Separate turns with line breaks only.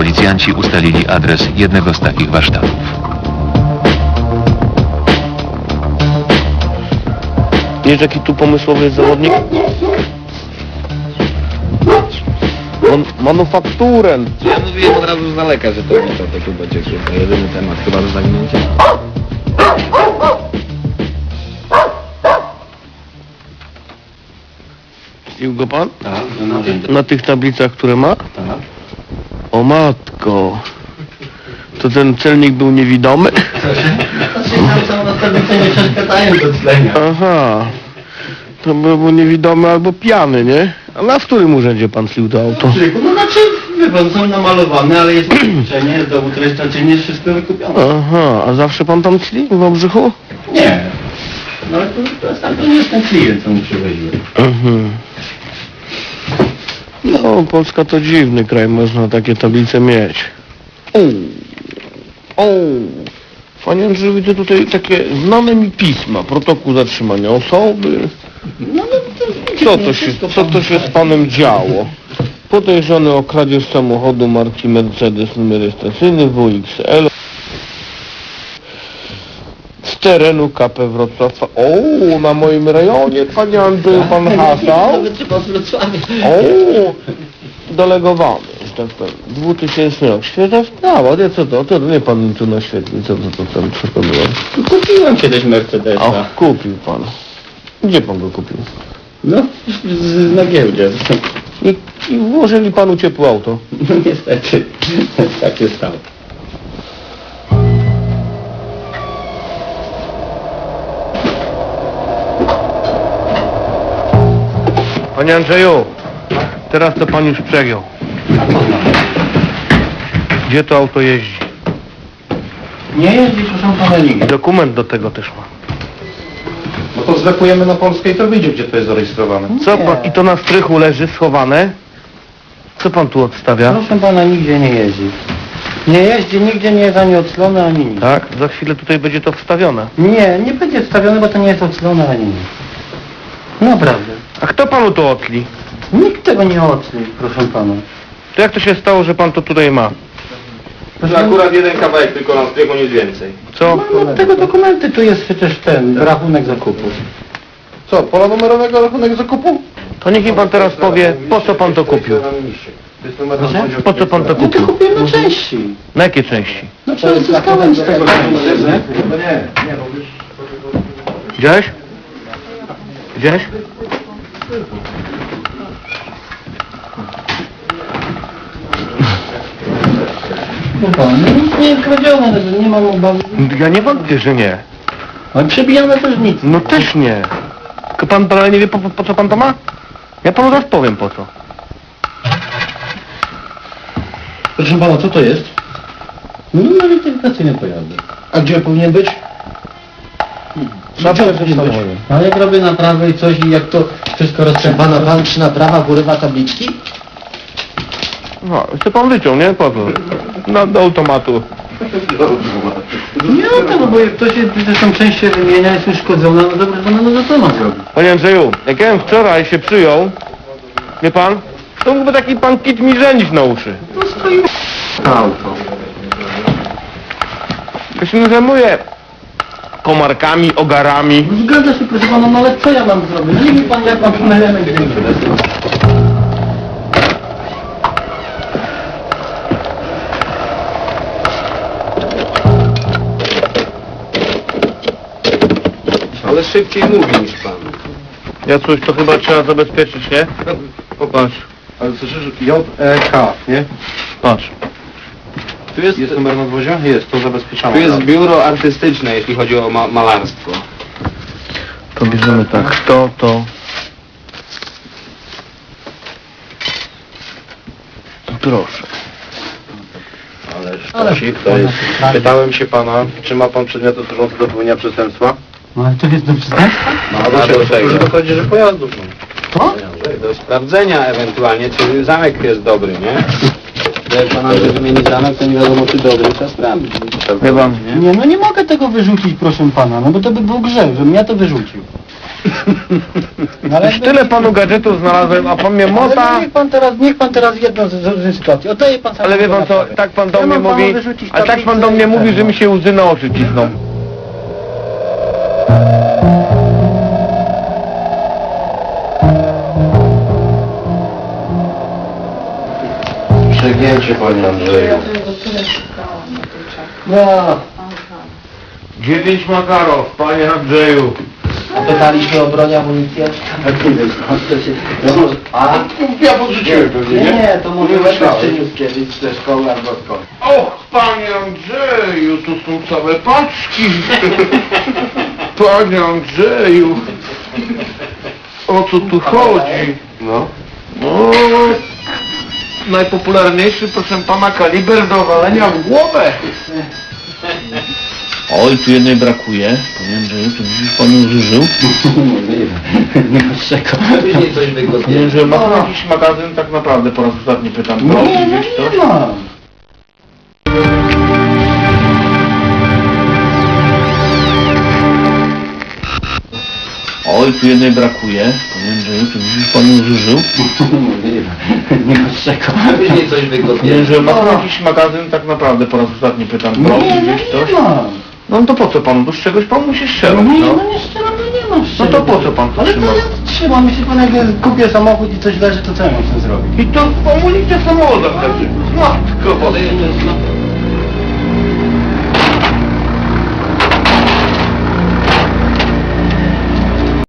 policjanci ustalili adres jednego z takich warsztatów.
Wiesz, jaki tu pomysłowy jest zawodnik? Manufakturę.
Ja mówiłem od razu z daleka, że to tu będzie chyba jedyny temat, chyba do zawinięcia.
Pił go pan?
Tak,
Na tych tablicach, które ma?
tak.
O matko. To ten celnik był niewidomy?
Tam na tablice nie przeszkadzają do tlenia.
Aha. To był niewidomy albo pijany, nie? A na w którym urzędzie pan tlił to auto?
No znaczy, wie pan, są namalowane, ale jest rozliczenie, jest dowód rejestracyjny, jest wszystko wykupione.
Aha, a zawsze pan tam tli w Obrzychu?
Nie. No ale to nie jest ten klient, co mu przywoziłem.
Mhm. No, Polska to dziwny kraj, można takie tablice mieć. Panie Andrzeju, widzę tutaj takie znane mi pisma, protokół zatrzymania osoby.
No
Co to się z panem działo? Podejrzany o kradzież samochodu marki Mercedes, numer rejestracyjny WXL z terenu KP Wrocław. O, na moim rejonie, panie Andrzeju, pan hasał.
Nawet trzeba z Wrocławia.
O, delegowany, że tak powiem. 2000 rok. Świetna sprawa, nie co to nie pan mi tu naświetli, co to było?
Kupiłem kiedyś Mercedesa.
Ach, kupił pan. Gdzie pan go kupił?
No, na giełdzie.
I włożyli panu ciepłe auto.
No niestety, tak się stało.
Panie Andrzeju, teraz to pan już przegiął. Gdzie to auto jeździ?
Nie jeździ, proszę pana, nigdy.
Dokument do tego też ma.
No to zwekujemy na Polskę i to wyjdzie, gdzie to jest zarejestrowane.
Co pan? I to na strychu leży schowane? Co pan tu odstawia?
Proszę pana, nigdzie nie jeździ. Nie jeździ, nigdzie nie jest ani oclone, ani nic.
Tak? Za chwilę tutaj będzie to wstawione.
Nie będzie wstawione, bo to nie jest oclone, ani nic. Naprawdę.
A kto panu to otli?
Nikt tego nie ocli, proszę pana.
To jak to się stało, że pan to tutaj ma?
Akurat jeden kawałek tylko na strychu, nic więcej.
Co?
No tego dokumenty tu jest przecież ten rachunek zakupu.
Co, pola numerowego rachunek zakupu?
To niech mi pan teraz powie, po co pan to kupił?
Proszę?
Po co pan to
No to
kupił?
kupiłem na części.
Na jakie części?
No to zyskałem z tego pieniądze.
Widziałeś? Widziałeś?
No pan, nic nie jest kradzione, nie mam obawy.
Ja nie wątpię, że nie.
Ale przebijane też nic.
No też nie. Tylko pan dalej nie wie, po co pan to ma? Ja panu zaraz powiem po co.
Proszę pana, co to jest? No numer identyfikacyjny pojazdu.
A gdzie powinien być?
Na ale jak robię naprawę i coś i jak to wszystko roztrzępane, pan przy naprawach urywa tabliczki?
No, chce pan wyciął, nie? Po co? Do automatu.
Nie, no bo jak ktoś zresztą część się wymienia, jest uszkodzona, no dobra, to no co ma zrobić?
Panie Andrzeju, jak ja bym wczoraj się przyjął, wie pan, to mógłby taki pan kit mi żenić na uszy.
To stoi auto.
Ja się nie zajmuję komarkami, ogarami.
No zgadza się, proszę pana, no ale co ja mam zrobić? Nie mi pan, jak mam ten element większy.
Ale szybciej mówi niż pan.
Ja coś to chyba trzeba zabezpieczyć, nie? Popatrz,
Ale słyszysz, J-E-K, nie?
patrz.
Tu jest numer nadwozia? Jest, to zabezpieczamy.
Tu jest biuro artystyczne, jeśli chodzi o malarstwo.
To bierzemy tak, to. Proszę.
Ale to jest. Pytałem się pana, czy ma pan przedmioty służące do popełnienia przestępstwa?
No ale to jest do przestępstwa?
No,
a do czego?
To chodzi, że pojazdów. No.
Co?
Do sprawdzenia ewentualnie, czy zamek jest dobry, nie? Jak pan Andrzej wymieni zamek, to nie wiadomo, czy dobry, trzeba sprawdzić.
Wie pan,
Nie, no nie mogę tego wyrzucić, proszę pana, no bo to by był grzech, żebym ja to wyrzucił. No, ale
Już tyle panu gadżetów znalazłem, a pan mnie mota.
Ale niech pan teraz jedną z sytuacji. Oddaje pan
Ale wie pan co, tak pan do
Ja
mnie
mam panu
mówi,
wyrzucić
a tak pan
tablicę
do mnie
i
mówi,
ten,
że
no.
mi się łzy na oczy cisną.
Przegięcie, panie Andrzeju.
No,
9 Makarow, panie Andrzeju.
pytaliśmy o broń, amunicję. Nie wiem, skąd to się... No może... A?
Ja podrzuciłem pewnie, nie?
Nie, to może
Nie
Łebek
myślałem.
przyniósł kiedyś ze szkoły albo skąd.
Och, panie Andrzeju, tu są całe paczki. Panie Andrzeju, o co tu chodzi?
No.
No, najpopularniejszy, proszę pana, kaliber do walenia w głowę. Oj, tu jednej brakuje. Panie Andrzeju, to dziś pan ją zużył?
Nie ma czego.
Później coś wygodnie.
Panie Andrzeju, ma pan jakiś magazyn? Tak naprawdę po raz ostatni pytam.
No,
Prosi
nie
gdzieś coś?
ma.
Oj, tu jednej brakuje. Panie Andrzeju, to dziś pan ją zużył?
Nie ma czego.
Później coś wygodnie.
Panie Andrzeju, ma pan jakiś magazyn? Tak naprawdę po raz ostatni pytam. Prosi gdzieś coś?
Nie ma.
No to po co panu? To z czegoś pan musi strzelać,
No nie,
no.
no nie strzelam, no nie mam
No
strzelać.
to po co pan to
Ale
trzyma?
to ja trzymam, jeśli pan jak kupię samochód i coś leży, to co ja mam z tym zrobić?
I to amunicję samochodu leży. Matko,
Ale jeszcze